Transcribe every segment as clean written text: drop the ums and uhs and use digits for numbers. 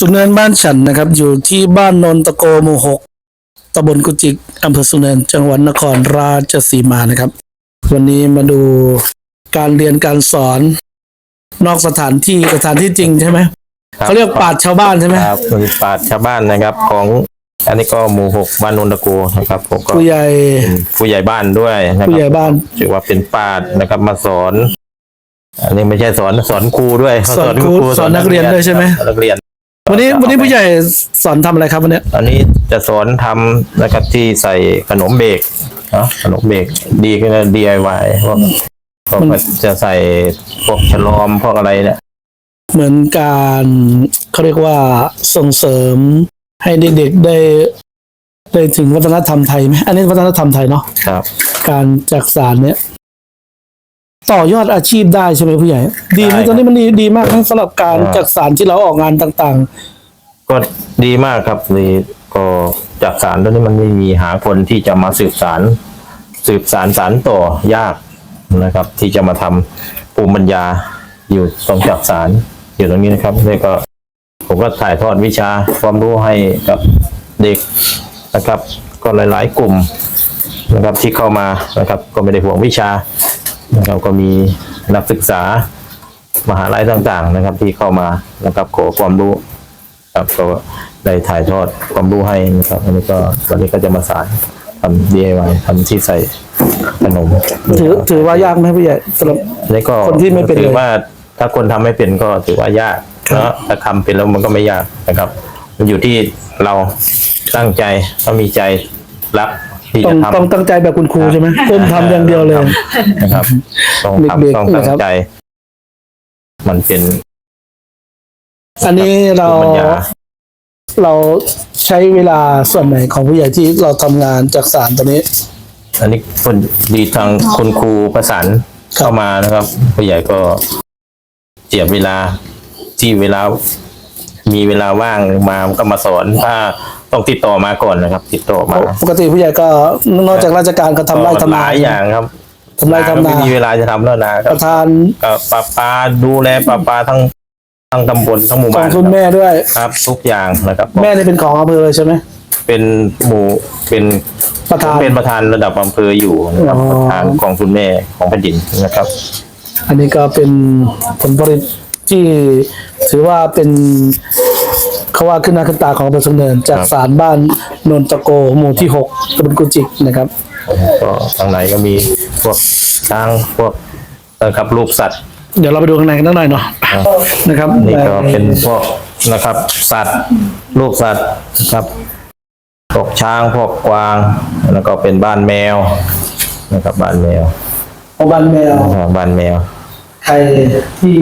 สุเนินบ้านฉันนะครับอยู่ที่บ้านนนตะโกหมู่ 6ตำบลกุจิกอำเภอสุเนินจังหวัดนครราชสีมานะครับวันนี้มาดูการเรียนการสอนนอกสถานที่จริงใช่ไหมเขาเรียกปราชญ์ชาวบ้านใช่ไหมครับคือปราชญ์ชาวบ้านนะครับของอันนี้ก็หมู่ 6บ้านนนตะโกนะครับผมก็ผู้ใหญ่บ้านด้วยนะครับผู้ใหญ่บ้านถือว่าเป็นปราชญ์นะครับมาสอนอันนี้ไม่ใช่สอนครูด้วยสอนครูสอนนักเรียนด้วยใช่ไหมนักเรียนวันนี้ผู้ใหญ่สอนทำอะไรครับวันนี้อันนี้จะสอนทำนะครับที่ใส่ขนมเบรกขนมเบรกดีก็ DIY พวกจะใส่พวกฉลอมพวกอะไรเนี่ยเหมือนการเขาเรียกว่าส่งเสริมให้เด็กๆได้ถึงวัฒนธรรมไทยไหมอันนี้วัฒนธรรมไทยเนาะครับการจักสานเนี่ยต่อยอดอาชีพได้ใช่ไหมผู้ใหญ่ดีไหมตอนนี้มันดีมากนะสำหรับการจักสานที่เราออกงานต่างๆก็ดีมากครับนี่ก็จักสานตอนนี้มันไม่มีหาคนที่จะมาสืบสานต่อยากนะครับที่จะมาทำภูมิปัญญาอยู่ตรงจักสานอยู่ตรงนี้นะครับนี่ก็ผมก็ถ่ายทอดวิชาความรู้ให้กับเด็กนะครับก็หลายๆกลุ่มนะครับที่เข้ามานะครับก็ไม่ได้ห่วงวิชานะครับก็มีนักศึกษามหาลัยต่างๆนะครับที่เข้ามานะครับขอความรู้ครับก็ได้ถ่ายทอดความรู้ให้นะครับอันนี้ก็วันนี้ก็จะมาสอนทำ DIY ทำที่ใส่ขนมถือว่ายากไหมพี่ใหญ่สำหรับคนที่ไม่เป็นถือว่าถ้าคนทำไม่เป็นก็ถือว่ายากแล้วถ้าทำเป็นแล้วมันก็ไม่ยากนะครับมันอยู่ที่เราตั้งใจต้องมีใจรักที่จะทำต้องตั้งใจแบบคุณครูใช่ไหมก้มทำอย่างเดียวเลยนะครับต้องทำต้องตั้งใจมันเป็นอันนี้เราใช้เวลาส่วนไหนของผู้ใหญ่ที่เราทำงานจักสานตอนนี้อันนี้คนดีทางคุณครูประสานเข้ามานะครับผู้ใหญ่ก็เจียบเวลาที่มีเวลาว่างมาก็มาสอนถ้าต้องติดต่อมาก่อนนะครับติดต่อมาปกติผู้ใหญ่ก็นอกจากราชการก็ทำไร่ทำนาหลายอย่างครับทำไร่ทำนาไม่มีเวลาจะทำแล้วนะประธานประปาดูแลประปาทั้งตำบลทั้งหมู่บ้านของคุณแม่ด้วยครับทุกอย่างนะครับแม่นี่เป็นของอำเภอใช่ไหมเป็นประธานระดับอำเภออยู่นะครับประธานของคุณแม่ของแผ่นดินนะครับอันนี้ก็เป็นผลผลิตที่ถือว่าเป็นเขาว่าขึ้นหน้าขึ้นตาของอำเภอสุเนินจากศาลบ้านนนตะโกหมู่ที่ 6ตำบลกุจิกนะครับก็ข้างในก็มีพวกช้างพวกนะครับรูปสัตว์เดี๋ยวเราไปดูข้างในกันหน่อยเนาะนะครับนี่ก็เป็นพวกนะครับสัตว์รูปสัตว์นะครับพวกช้างพวกกวางแล้วก็เป็นบ้านแมวนะครับบ้านแมวบ้านแมวใครที่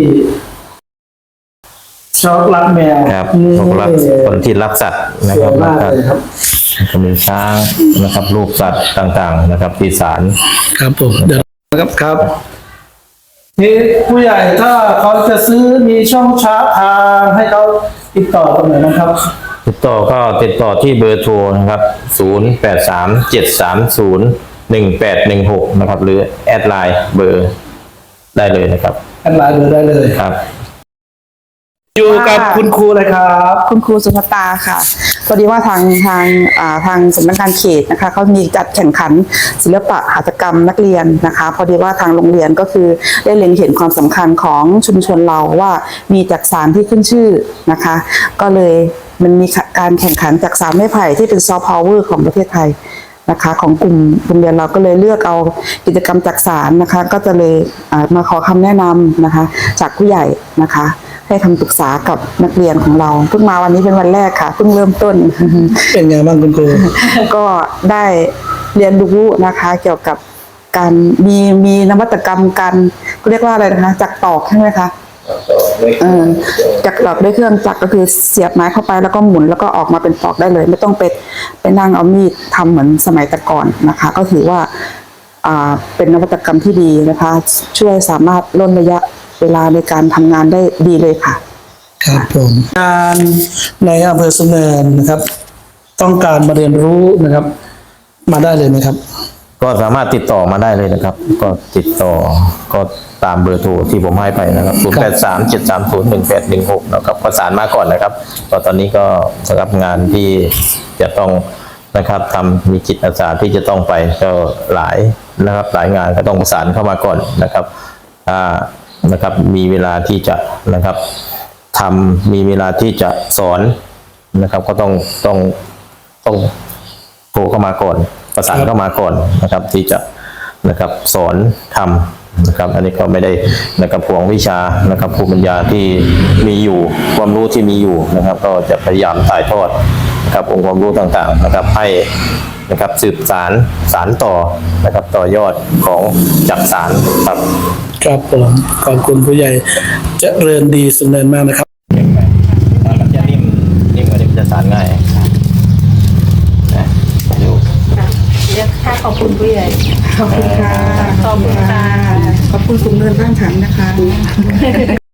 ชอบรักแมวครับคนที่รักสัตว์นะครับก็มีช้างนะครับรูปสัตว์ต่างๆนะครับที่ศาลครับผมเดี๋ยวครับนี่ผู้ใหญ่ถ้าเขาจะซื้อมีช่องทางให้เขาติดต่อตรงไหนนะครับติดต่อที่เบอร์โทรนะครับ0837301816นะครับหรือแอดไลน์เบอร์ได้เลยนะครับแอดไลน์เบอร์ได้เลยครับอยู่กับคุณครูเลยครับคุณครูสุภตาค่ะพอดีว่าทางสำนักงานเขตนะคะเขามีจัดแข่งขันศิลปะหัตถกรรมนักเรียนนะคะพอดีว่าทางโรงเรียนก็คือได้เล็งเห็นความสำคัญของชุมชนเราว่ามีจักสานที่ขึ้นชื่อนะคะก็เลยมันมีการแข่งขันจักสานไม้ไผ่ที่เป็นซอฟต์พาวเวอร์ของประเทศไทยนะคะของกลุ่มโรงเรียนเราก็เลยเลือกเอากิจกรรมจักสานนะคะก็จะเลยมาขอคำแนะนำนะคะจากผู้ใหญ่นะคะให้คำปรึกษากับนักเรียนของเราเพิ่งมาวันนี้เป็นวันแรกค่ะเพิ่งเริ่มต้นเป็นไงบ้างคุณครูก็ได้เรียนรู้นะคะเกี่ยวกับการมีนวัตกรรมการเรียกว่าอะไรนะคะจักตอกใช่ไหมคะจักตอกด้วยเครื่องจักรก็คือเสียบไม้เข้าไปแล้วก็หมุนแล้วก็ออกมาเป็นตอกได้เลยไม่ต้องไปนั่งเอามีดทำเหมือนสมัยแต่ก่อนนะคะก็ถือว่าเป็นนวัตกรรมที่ดีนะคะช่วยสามารถลดระยะเวลาในการทำงานได้ดีเลยค่ะครับผมงานในอำเภอสุเนินนะครับต้องการมาเรียนรู้นะครับมาได้เลยไหมครับก็สามารถติดต่อมาได้เลยนะครับ ก็ติดต่อก็ตามเบอร์โทรที่ผมให้ไปนะครับ0837301816นะครับประสานมาก่อนนะครับก็ตอนนี้ก็สำหรับงานที่จะต้องนะครับทำมีจิตอาสาที่จะต้องไปก็หลายนะครับหลายงานก็ต้องประสานเข้ามาก่อนนะครับนะครับมีเวลาที่จะนะครับทำมีเวลาที่จะสอนนะครับก็ต้องโทรเข้ามาก่อนประสานเข้ามาก่อนนะครับที่จะนะครับสอนทำนะครับอันนี้ก็ไม่ได้นะครับห่วงวิชานะครับภูมิปัญญาที่มีอยู่ความรู้ที่มีอยู่นะครับก็จะพยายามถ่ายทอดนะครับองค์ความรู้ต่างๆนะครับให้นะครับสืบสารต่อนะครับต่อยอดของจักสารครับครับผมขอบคุณผู้ใหญ่เจริญดีสุนเนินมากนะครับมันจะนิ่มกว่านี้มันจะสานง่ายนะดูเรียกค่าขอบคุณผู้ใหญ่ขอบคุณค่ะขอบคุณค่ะขอบคุณสูงเนินบ้านฉันนะคะ